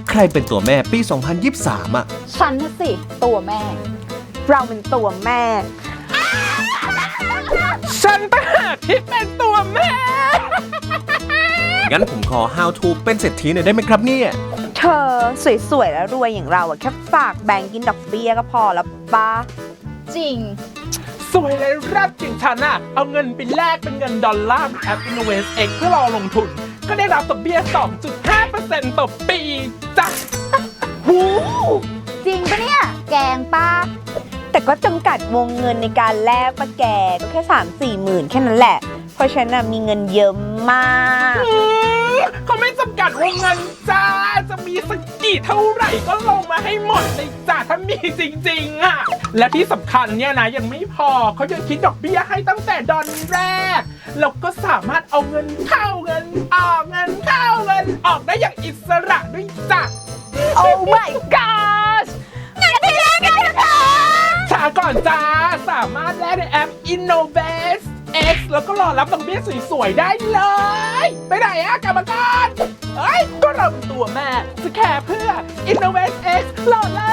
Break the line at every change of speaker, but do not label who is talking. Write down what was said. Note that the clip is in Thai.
ใครเป็นตัวแม่ปี 2023 อ่ะ
ฉันน่ะสิ ตัวแม่
เราเป็นตัวแม่
ฉันต่างหากที่เป็นตัวแม่
งั้นผมขอ how to เป็นเศรษฐีหน่อยได้ไหมครับเนี่ย
เธอสวยๆแล้วรวยอย่างเราอะแค่ฝากแบงก์กินดอกเบี้ยก็พอแล้วป้า
จริง
สวยเลยรับจริงฉันอะเอาเงินไปแลกเป็นเงินดอลลาร์แอป InnovestX เพื่อรอลงทุน ก็ได้รับดอกเบี้ย 2.5% ต่อปีจ้ะ
จริงปะเนี่ย แกงป้า
แต่ก็จำกัดวงเงินในการแลกปะแกก็แค่ 3-4 หมื่นแค่นั้นแหละ เพราะฉันน่ะมีเงินเยอะมาก
เขาไม่จำกัดวงเงินจ้า จะมีสักกี่เท่าไหร่ก็ลงมาให้หมดเลยจ้าถ้ามีจริงๆอะและที่สำคัญเนี่ยนะยังไม่พอเขายังคิดดอกเบี้ยให้ตั้งแต่ดอนแรก แล้วก็สามารถเอาเงินเข้าเงินออกเงินเข้าเงินออกได้อย่างอิสระด้วยจ้ะ
Oh my god
ช้าก่อนจ้า สามารถแลกในแอป InnovestX แล้วก็รอรับดอกเบี้ยสวยๆได้เลย ไปไหนอะกรรมการเอ้ย ก็เราเป็นตัวแม่จะแค่เพื่อ InnovestX รอเลย